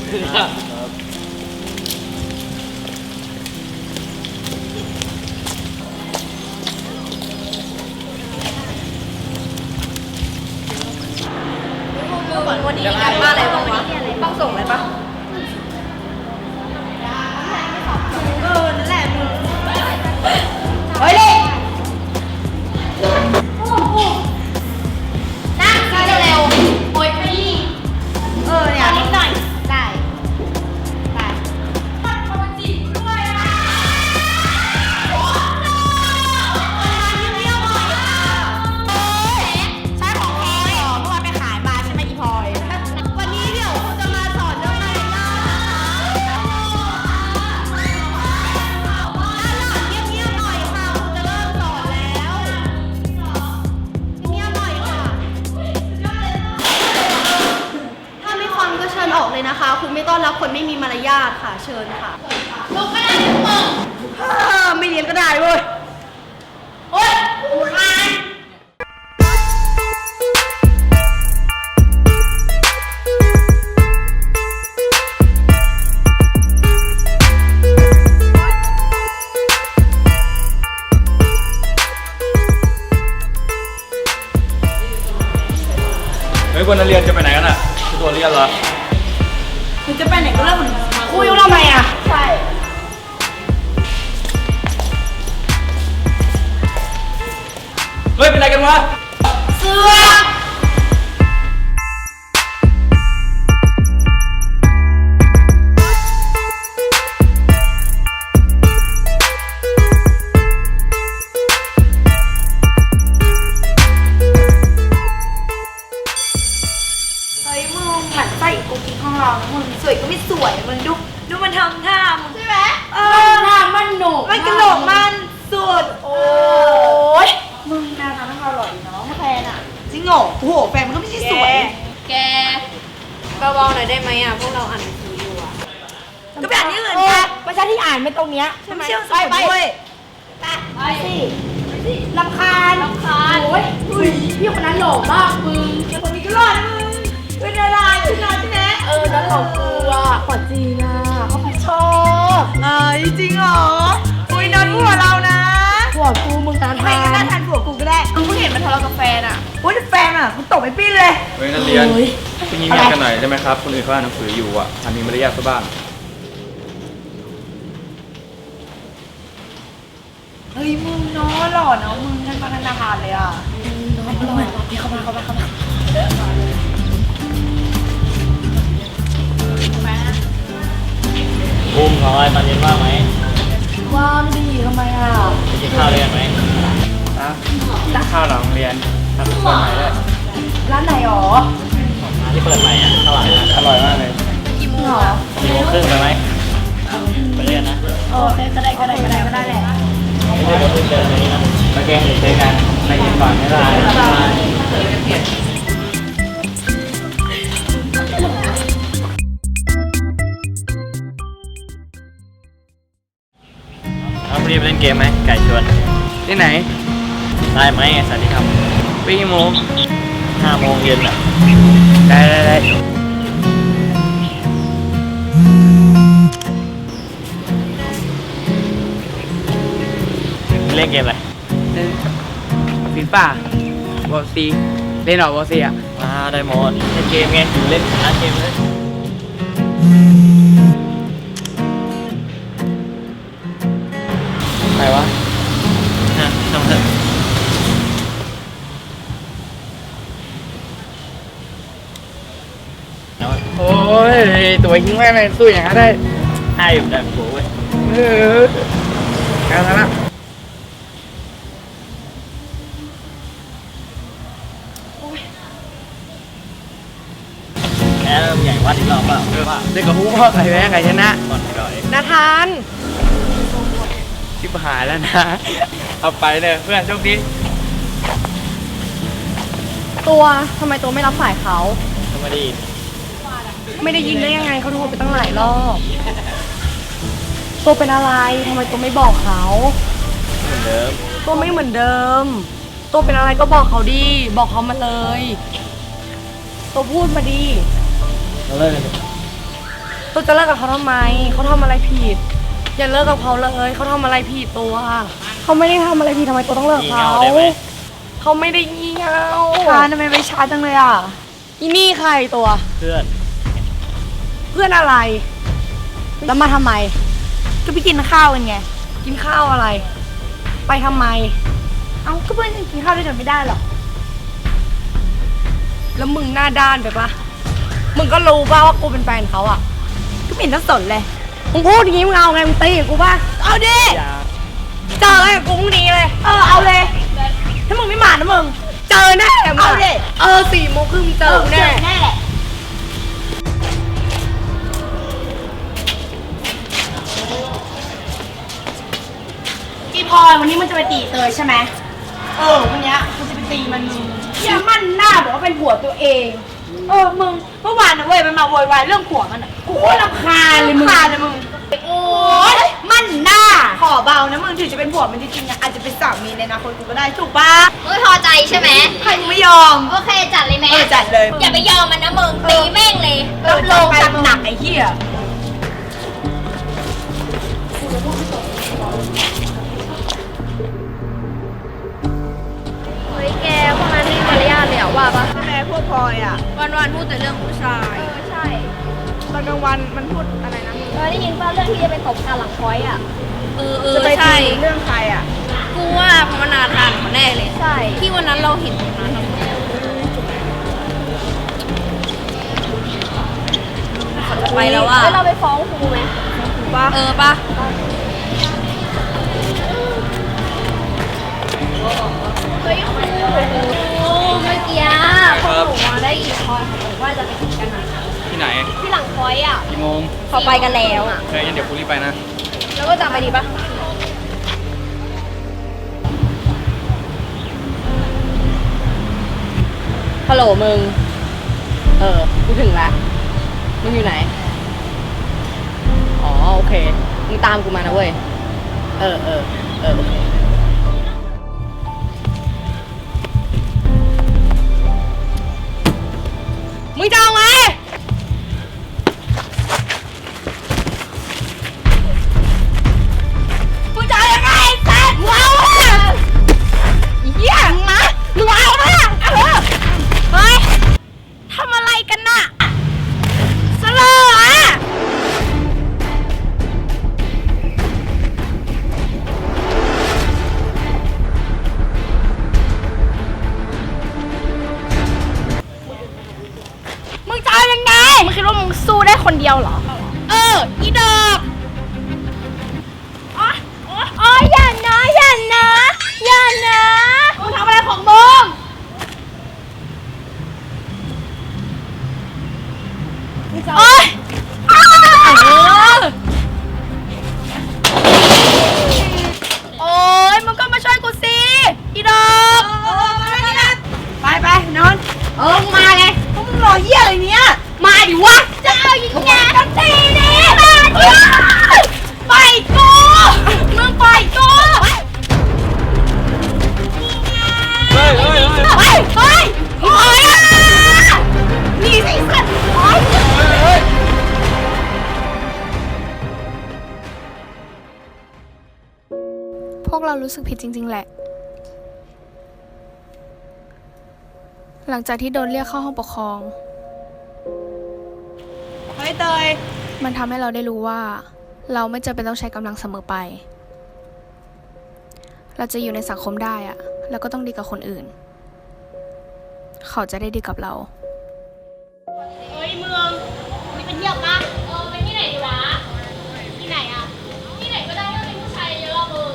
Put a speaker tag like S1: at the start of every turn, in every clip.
S1: วันนี้มีการบ้านอะไรบ้างวะต้องส่งอะไรปะนั่นแหละมึงเฮ้ยเลยนั่งซีเร็วโอ้ยพี่เนี่ยนิดหน่อยได้มันจีบด้วยอ่ะใช่ของพลอยเมื่อวานไปขายมาใช่ไหมอีพลอยวันนี้เดี๋ยวคุณจะมาสอนเรื่องมารยาทเงียบๆหน่อยค่ะคุณจะเริ่มสอนแล้วเงียบหน่อยค่ะถ้าไม่ฟังก็เชิญออกเลยนะคะคุณไม่ต้อนรับคนไม่มีมารยาทค่ะเชิญค่ะลูกก็ได้ทุกคนไม่เรียนก็ได้เว้ยโอ๊ยคาน
S2: เฮ้ยวันนักเรียนจะไปไหนกันอ่ะคือตัวเรียนเหรอ
S1: คุณจะไปไหนก็เรื่องของคุณคุยทำไมอ่ะใช่
S2: เฮ้ยเป็นไรกันวะ
S1: เสือหมั่นไส้กุ๊กกิ๊กของเรามึงสวยก็ไม่สวยมึงดูมันทำท่ามึงใช่ไหมท่ามันหนุกมันกระโหลกมันสุดโอ้ยมึงแนวทางของเราหล่อดีเนาะแฟนอ่ะจริงเหรอโอ้โหแฟนมันก็ไม่ใช่สวยแกเบาๆหน่อยได้ไหมอ่ะพวกเราอ่านหนังสืออยู่อ่ะก็ไปอ่านที่อื่นค่ะประชาที่อ่านไม่ตรงเนี้ยใช่ไหมไปสิรำคาญโอ้ยพี่คนนั้นหล่อมากมึงคนนี้ก็หล่อนะมึงเป็นอะไรพี่น้องใช่ไหมนั้นหล่อกลัวกว่าจีน่ะเขาชอบจริงเหรออุ้ยนอนผัวเรานะผัวกูมึงตาทานไม่ก็น่าทานผัวกูก็ได้มึงเห็นมันทะเลาะกับแฟนอ่ะอุ้ยแฟนอ่ะกูตบไอ้ปี้เลย
S2: เฮ้ยนักเรียนคุณยิ้มกันหน่อยได้ไหมครับคนอื่นเขาอ่านหนังสืออยู่อ่ะมีมารยาทซะบ้าง
S1: เฮ้ยมึงน้อหล่อเนาะมึงท่านประธานเลยอ่ะน้องหล่อพี่เข้ามา
S3: บูมของอะไรตอนเย็นว่างไหม
S1: ว่างดีทำไมอ่ะ
S3: ไปกินข้าวเรียนไหม
S2: ข้าวหลังเรียนทำคนใหม่ด้วย
S1: ร้านไหนหรอ
S3: ร้านที่เปิดใหม่อ่ะอร่อยนะ
S2: อร่อยมากเลย
S1: กี่โมงหรอ
S3: 4:30ไปไหมไปเรียนนะ
S1: ก็ได้แหละ
S3: ไม่ได้เพิ่งเดินเลยนะโอเคเจอกันไปกินก่อนไม่ได้เอาพรุ่งนี้ไปเล่นเกมไหมไก่ชวน
S2: ที่ไหน
S3: ได้ไหมสวัสดีครับ
S2: ปีกี่โมง
S3: 5 โมงเย็นอ่ะ
S2: ได้
S3: เล่นเกมอะไร
S2: ฟีฟ่าบอลซีเล่นหรอบอลซีอ่ะ
S3: ได้หมดเล่นเกมไงเล่นร้านเกมเลย
S2: ใครวะ
S3: ทำเถอะ
S2: โอ้ยตัวหิ้งแม่เลยสู้อย่างนั้นได้
S3: ให้อยู่แบบโว้ย
S2: เอาละ
S3: แพ้ใหญ่วัดอีกรอบเปล่า
S2: เด็กกับฮู้ว่าใครแพ้ใครชนะ
S3: ก่อนก่อน
S1: นาธาน
S2: ชิบหายแล้วนะเอาไปเลยเพื่อนโชคดี
S1: ตัวทำไมตัวไม่รับสายเขา
S3: ทำไมดี
S1: ไม่ได้ยินได้ยังไงเขาโทรไปตั้งหลายรอบตัวเป็นอะไรทำไมตัวไม่บอกเขา
S3: เหมือนเดิม
S1: ตัวไม่เหมือนเดิมตัวเป็นอะไรก็บอกเขาดิบอกเขามาเลยตัวพูดมาดิ
S3: เราเลิกกัน
S4: ตัวจะเลิกกับเขาทำไมเขาทำอะไรผิดอย่าเลิกกับเขาเลยเขาทำอะไรผิดตัวเขาไม่ได้ทำอะไรผิดทำไมตัวต้องเลิก
S3: งี่
S4: เขา
S3: เง่าได้ไหม
S4: เขาไม่ได้งี่เง่า
S1: ชาทำไมไปช้าจังเลยอ่ะ
S4: อีนี่ใครตัว
S3: เพื่อน
S4: เพื่อนอะไร แล้วมาทำไม
S1: ก็ไปกินข้าวกันไง
S4: กินข้าวอะไร ไปทำไม
S1: เอ้าก็เพื่อนกินข้าวด้วยกันไม่ได้หรอ
S4: แล้วมึงหน้าด้านไปปะมึงก็รู้ป่ะว่ากูเป็นแฟนเขาอ่ะ
S1: ก็ไม่เห็นต้องสนเลย
S4: มึงพูดอย่างงี้มึงเอาไงมึงตีกับกูป่ะ
S1: เอาดิ
S3: อย่า
S4: เจออะไรกับกูพรุ่งนี้เลย
S1: เอาเลย ถ้ามึงไม่มานะมึง
S4: เจอแน่มึง
S1: เอาดิ
S4: 4 โมงครึ่งเจอกูแน่
S1: แน่แหละ
S4: อีพลอยวันนี้มันจะไปตีเตยใช่ไหมวันนี้กูจะไปตีมันอย่ามั่นหน้าบอกว่าเป็นผัวตัวเอง
S1: มึง เมื่อวานนะเว้ยมันมาโวยวายเรื่องผัวมันอ่ะ
S4: กูรำคาญเลยมึง
S1: ขาดเลยมึง โอ๊ยมันหน้า ขอเบานะมึงถึงจะเป็นผัวมันจริงๆนะอาจจะเป็นสามีในอนาคตกูก็ได้ถูกปะ
S5: ไม่พอใจใช่ไหม
S1: ใครไม่ยอม
S5: โอเคจัดเลยไหม
S1: จัดเลย
S5: อย่าไปยอมมันนะมึงตีแม่งเลย
S1: รับรองจัดหนักไอ้เหี้ย
S5: เฮ้ยแกพวกนั้นนี่มารยาทเลยอะว่าปะ
S1: ใช่ไหมพวกพลอยอ่ะ
S5: วันๆพูดแต่เรื่องผู้ชายใช่
S1: ตอนกลางวันมันพูดอะไรนะ
S5: ได้ยินป่ะเรื่องที่จะไปตบกันหลังพอยอะ
S1: จะไปตีเรื่องใครอ่ะ
S5: กูว่าพมนาทานเขาแน่เลยใช่ที่วันนั้นเราเห็นตรงนั้นเขาจะไปแล้วอะเราไปฟ้องครูไหมปะปะเฮ้ยครูเมื่อกี้พวกหนูมาได้ยินพลอยเขาบอกว่าจะไปกินกันอะ
S3: ที่ไหน
S5: ที่หลังพอยอ่ะ
S3: กี่โมง
S5: เขาไปกันแล้วอ่ะ
S3: เฮ้ยงั้นเดี๋ยวกูรีบไปนะ
S5: แล้วก็ตามไปดีปะฮัลโหลมึง
S4: กูถึงแล้ว มึงอยู่ไหน อ๋อโอเค มึงตามกูมานะเว้ย โอเค มึงจะเอาไง มึงจะเอายังไงแซ่บมึงเอาอ่ะเหี้ยมึงเอาไหมเฮ้ยทำอะไรกันน่ะสลออ่ะ มึงจะเอายังไง มึงคิดว่ามึงสู้ได้คนเดียวเหรอ อีดอกอ๋ออย่านะมึงทำอะไรของมึงโอ๊ยโอ๊ย มึงก็มาช่วยกูสิ อีดอกไปนอน มึงมาเลยพวกมึงรอเหี้ยอะไรเนี้ย มาดิวะ จะเอายิงแย่กันตีดิมาดิไปกูมึงไปกู
S3: เฮ้ย
S4: โอ๊ยหนีสิสัตว์โอ๊ย
S6: พวกเรารู้สึกผิดจริงๆแหละ หลังจากที่โดนเรียกเข้าห้องปกครอง
S1: เฮ้ยเตย
S6: มันทำให้เราได้รู้ว่า เราไม่จำเป็นต้องใช้กำลังเสมอไป เราจะอยู่ในสังคมได้อะแล้วก็ต้องดีกับคนอื่น เขาจะได้ดีกับเรา
S5: เฮ้ยเมืองนี่เป็นเที่ยวปะไปที่ไหนดีวะ ที่ไหนอ่ะ ที่ไหนก็ได้ก็มีผู้ชายเยอะมึง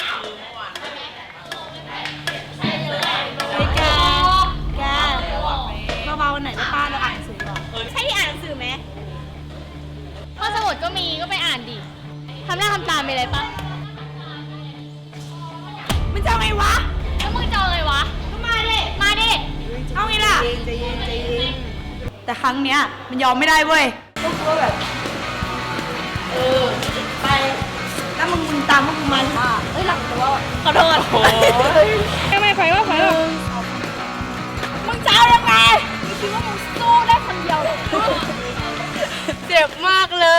S1: เฮ้ยแกเบาๆหน่อยนะป้าเราอ่านหนังสือก่อน
S5: ใช่ที่อ่านหนังสือไหมข้อสมุดก็มีก็ไปอ่านดิ ทำหน้าทำตามไปเลยปะ
S1: มันจะเอาไงวะ
S5: แล้วมึงจะเอาอะไรวะ
S1: ก็มาดิ
S5: มาดิ
S1: เอาไงล่ะใจเย็นแต่ครั้งเนี้ยมันยอมไม่ได้เว้ยก็คือว่าแบบ ไป แล้วมึงตามพวกมึงมาเอ้ยหลังตัวขอโทษ
S3: โอ้ย
S1: ไม่ไปว่ามึงจะเอายังไงมึงคิดว่ามึงสู้ได้คนเดียวเหรอ
S4: เจ็บมากเลย